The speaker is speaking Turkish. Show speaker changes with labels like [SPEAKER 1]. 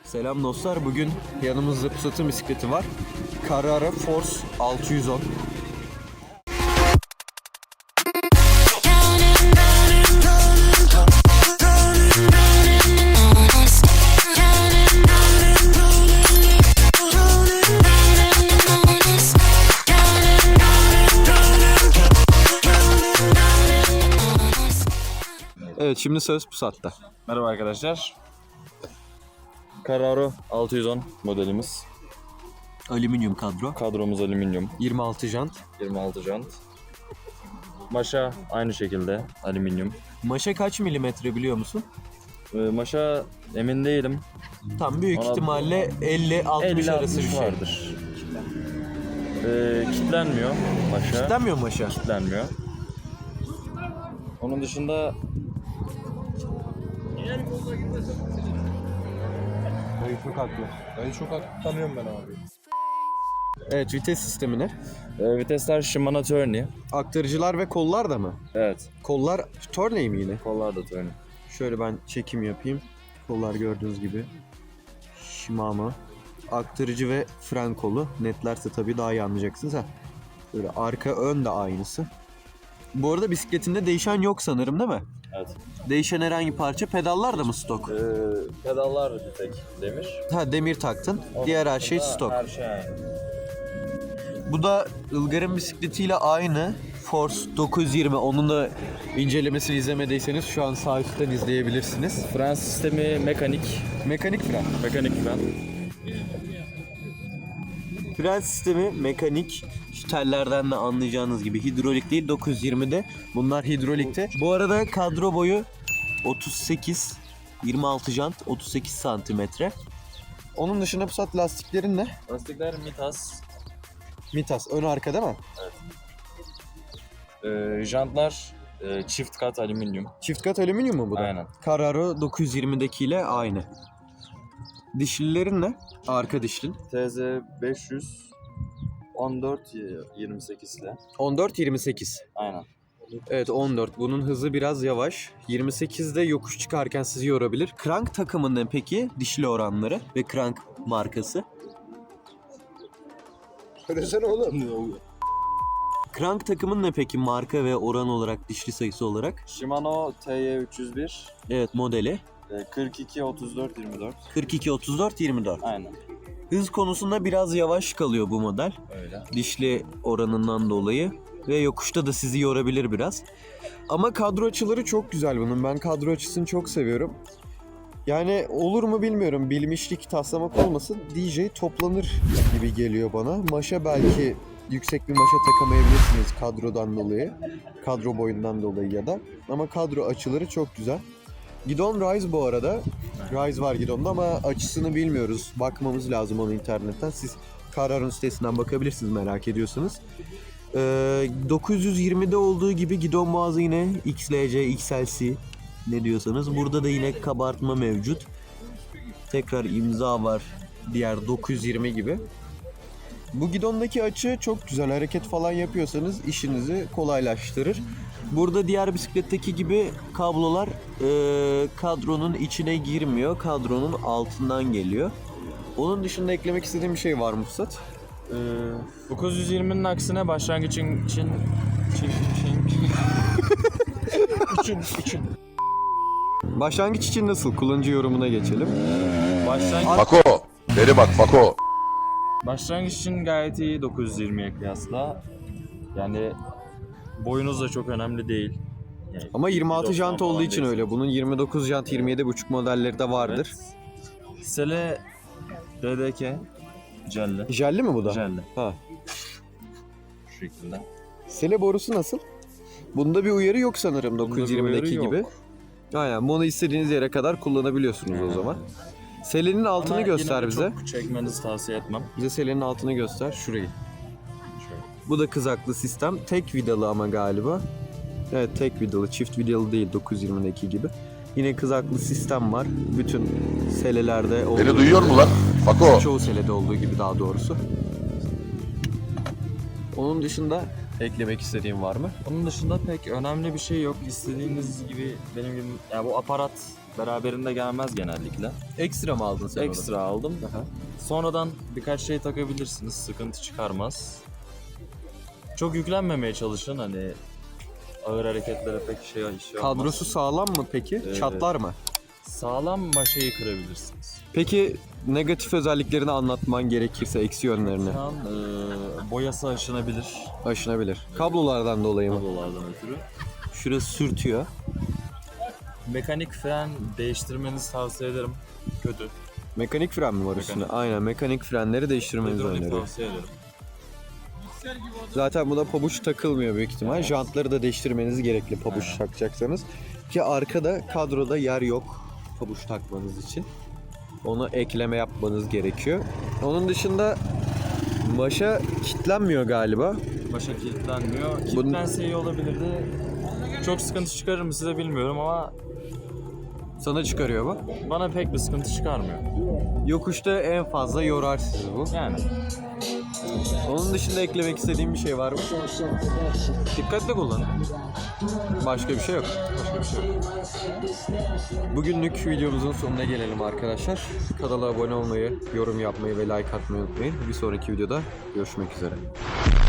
[SPEAKER 1] Selam dostlar. Bugün yanımızda Pusat'ın bisikleti var. Carraro Force 610. Evet, şimdi söz Pusat'ta.
[SPEAKER 2] Merhaba arkadaşlar. Carraro 610 modelimiz.
[SPEAKER 1] Alüminyum kadro.
[SPEAKER 2] Kadromuz alüminyum.
[SPEAKER 1] 26 jant.
[SPEAKER 2] 26 jant. Maşa aynı şekilde alüminyum.
[SPEAKER 1] Maşa kaç milimetre biliyor musun?
[SPEAKER 2] Maşa emin değilim.
[SPEAKER 1] Tam büyük
[SPEAKER 2] Ona
[SPEAKER 1] ihtimalle 50-60 arası bir
[SPEAKER 2] 50-60
[SPEAKER 1] şey.
[SPEAKER 2] vardır. Kitlenmiyor maşa.
[SPEAKER 1] Kitlenmiyor mu maşa?
[SPEAKER 2] Kitlenmiyor. Onun dışında
[SPEAKER 1] Dayı çok haklı.
[SPEAKER 3] Dayı çok haklı, tanıyorum ben abi.
[SPEAKER 1] Evet, vites sistemi ne?
[SPEAKER 2] vitesler Shimano Tourney.
[SPEAKER 1] Aktarıcılar ve kollar da mı?
[SPEAKER 2] Evet.
[SPEAKER 1] Kollar Tourney mi yine?
[SPEAKER 2] Kollar da Tourney.
[SPEAKER 1] Şöyle ben çekim yapayım. Kollar gördüğünüz gibi. Shimano. Aktarıcı ve fren kolu. Netlerse tabii daha iyi anlayacaksınız ha. Böyle arka ön de aynısı. Bu arada bisikletinde değişen yok sanırım, değil mi?
[SPEAKER 2] Evet.
[SPEAKER 1] Değişen herhangi parça, pedallar da mı stok?
[SPEAKER 2] Pedallar bir tek demir.
[SPEAKER 1] Ha, demir taktın. Diğer her şey stok.
[SPEAKER 2] Her şey aynı.
[SPEAKER 1] Bu da Ilgar'ın bisikletiyle aynı. Force 920. Onun da incelemesini izlemediyseniz şu an sağ üstten izleyebilirsiniz.
[SPEAKER 2] Fren sistemi mekanik.
[SPEAKER 1] Mekanik fren.
[SPEAKER 2] Mekanik fren.
[SPEAKER 1] Fren sistemi mekanik. Şu tellerden de anlayacağınız gibi hidrolik değil, 920'de. Bunlar hidrolikte. Bu arada kadro boyu 38, 26 jant, 38 santimetre. Onun dışında Pusat lastiklerin ne?
[SPEAKER 2] Lastikler Mitas.
[SPEAKER 1] Mitas, ön arka değil mi?
[SPEAKER 2] Jantlar çift kat alüminyum.
[SPEAKER 1] Çift kat alüminyum mu bu da?
[SPEAKER 2] Aynen.
[SPEAKER 1] Carraro 920'dekiyle aynı. Dişlilerin ne? Arka dişlin.
[SPEAKER 2] TZ 500 14-28 ile.
[SPEAKER 1] 14-28.
[SPEAKER 2] Aynen.
[SPEAKER 1] Evet, 14. Bunun hızı biraz yavaş. 28'de yokuş çıkarken sizi yorabilir. Crank takımın ne peki? Dişli oranları ve Crank markası.
[SPEAKER 3] Söylesene oğlum.
[SPEAKER 1] Crank takımın ne peki marka ve oran olarak, dişli sayısı olarak?
[SPEAKER 2] Shimano TY301
[SPEAKER 1] Evet, modeli.
[SPEAKER 2] 42-34-24.
[SPEAKER 1] 42-34-24.
[SPEAKER 2] Aynen.
[SPEAKER 1] Hız konusunda biraz yavaş kalıyor bu model.
[SPEAKER 2] Öyle.
[SPEAKER 1] Dişli oranından dolayı. Ve yokuşta da sizi yorabilir biraz. Ama kadro açıları çok güzel bunun. Ben kadro açısını çok seviyorum. Yani olur mu bilmiyorum. Bilmişlik taslamak olmasın. DJ toplanır gibi geliyor bana. Maşa belki yüksek bir maşa takamayabilirsiniz kadrodan dolayı. Kadro boyundan dolayı ya da. Ama kadro açıları çok güzel. Gidon Rise bu arada. Rise var gidonda ama açısını bilmiyoruz. Bakmamız lazım onu internetten. Siz Carraro'nun sitesinden bakabilirsiniz merak ediyorsanız. 920'de olduğu gibi gidon boğazı yine XLC, XLC ne diyorsanız. Burada da yine kabartma mevcut. Tekrar imza var diğer 920 gibi. Bu gidondaki açı çok güzel. Hareket falan yapıyorsanız işinizi kolaylaştırır. Burada diğer bisikletteki gibi kablolar kadronun içine girmiyor. Kadronun altından geliyor. Onun dışında eklemek istediğim bir şey var mı Pusat?
[SPEAKER 2] 920'nin aksine başlangıç için
[SPEAKER 1] Başlangıç için nasıl? Kullanıcı yorumuna geçelim.
[SPEAKER 4] Fako, beri bak Fako.
[SPEAKER 2] Başlangıç için gayet iyi 920'ye kıyasla. Yani boyunuz da çok önemli değil. Yani
[SPEAKER 1] Ama 26
[SPEAKER 2] 1.90
[SPEAKER 1] jant olduğu
[SPEAKER 2] falan
[SPEAKER 1] için
[SPEAKER 2] değilsiniz.
[SPEAKER 1] öyle. Bunun 29 jant, 27,5 modelleri de vardır.
[SPEAKER 2] Evet. Sele DDK jelli.
[SPEAKER 1] Jelli mi bu da?
[SPEAKER 2] Jelli.
[SPEAKER 1] Ha.
[SPEAKER 2] Şu şekilde.
[SPEAKER 1] Sele borusu nasıl? Bunda bir uyarı yok sanırım
[SPEAKER 2] Bunda bir
[SPEAKER 1] 920'deki
[SPEAKER 2] uyarı yok.
[SPEAKER 1] gibi. Aynen, bunu istediğiniz yere kadar kullanabiliyorsunuz o zaman. Selenin altını
[SPEAKER 2] Ama
[SPEAKER 1] göster
[SPEAKER 2] yine de
[SPEAKER 1] bize.
[SPEAKER 2] çok çekmenizi tavsiye etmem.
[SPEAKER 1] Bize selenin altını göster. Şurayı.
[SPEAKER 2] Şöyle.
[SPEAKER 1] Bu da kızaklı sistem. Tek vidalı ama galiba. Evet, tek vidalı. Çift vidalı değil 920'deki gibi. Yine kızaklı sistem var. Bütün selelerde olduğu
[SPEAKER 4] Beni duyuyor mu lan? Fako.
[SPEAKER 1] Çoğu selede olduğu gibi daha doğrusu. Onun dışında eklemek istediğim var mı?
[SPEAKER 2] Onun dışında pek önemli bir şey yok. İstediğiniz gibi benim gibi yani bu aparat Beraberinde gelmez genellikle.
[SPEAKER 1] Ekstra mı aldın sen onu?
[SPEAKER 2] Ekstra aldım.
[SPEAKER 1] Aha.
[SPEAKER 2] Sonradan birkaç şey takabilirsiniz. Sıkıntı çıkarmaz. Çok yüklenmemeye çalışın. Hani ağır hareketlere pek iş yapmaz.
[SPEAKER 1] Kadrosu sağlam mı peki? Çatlar mı?
[SPEAKER 2] Sağlam maşayı kırabilirsiniz.
[SPEAKER 1] Peki negatif özelliklerini anlatman gerekirse eksi yönlerini
[SPEAKER 2] Şu an boyası aşınabilir.
[SPEAKER 1] aşınabilir. Kablolardan dolayı mı?
[SPEAKER 2] Kablolardan ötürü.
[SPEAKER 1] Şurası sürtüyor.
[SPEAKER 2] Mekanik fren değiştirmenizi tavsiye ederim. Kötü.
[SPEAKER 1] Mekanik fren mi var üstünde? Aynen, mekanik frenleri değiştirmenizi
[SPEAKER 2] Hidrolik
[SPEAKER 1] öneriyorum.
[SPEAKER 2] tavsiye ederim.
[SPEAKER 1] Zaten buna pabuç takılmıyor büyük ihtimal. Jantları da değiştirmeniz gerekli pabuç
[SPEAKER 2] Aynen.
[SPEAKER 1] takacaksanız. Ki arkada kadroda yer yok pabuç takmanız için. Onu ekleme yapmanız gerekiyor. Onun dışında maşa kilitlenmiyor galiba.
[SPEAKER 2] Başa kilitlenmiyor. Kilitlense iyi olabilirdi. Çok sıkıntı çıkarır mı size bilmiyorum ama
[SPEAKER 1] Sana çıkarıyor mu?
[SPEAKER 2] bana pek bir sıkıntı çıkarmıyor.
[SPEAKER 1] Yokuşta en fazla yorar sizi bu.
[SPEAKER 2] Yani
[SPEAKER 1] Onun dışında eklemek istediğim bir şey var mı?
[SPEAKER 2] dikkatli kullanın.
[SPEAKER 1] Başka bir şey yok.
[SPEAKER 2] Başka bir şey yok.
[SPEAKER 1] Bugünlük videomuzun sonuna gelelim arkadaşlar. Kanala abone olmayı, yorum yapmayı ve like atmayı unutmayın. Bir sonraki videoda görüşmek üzere.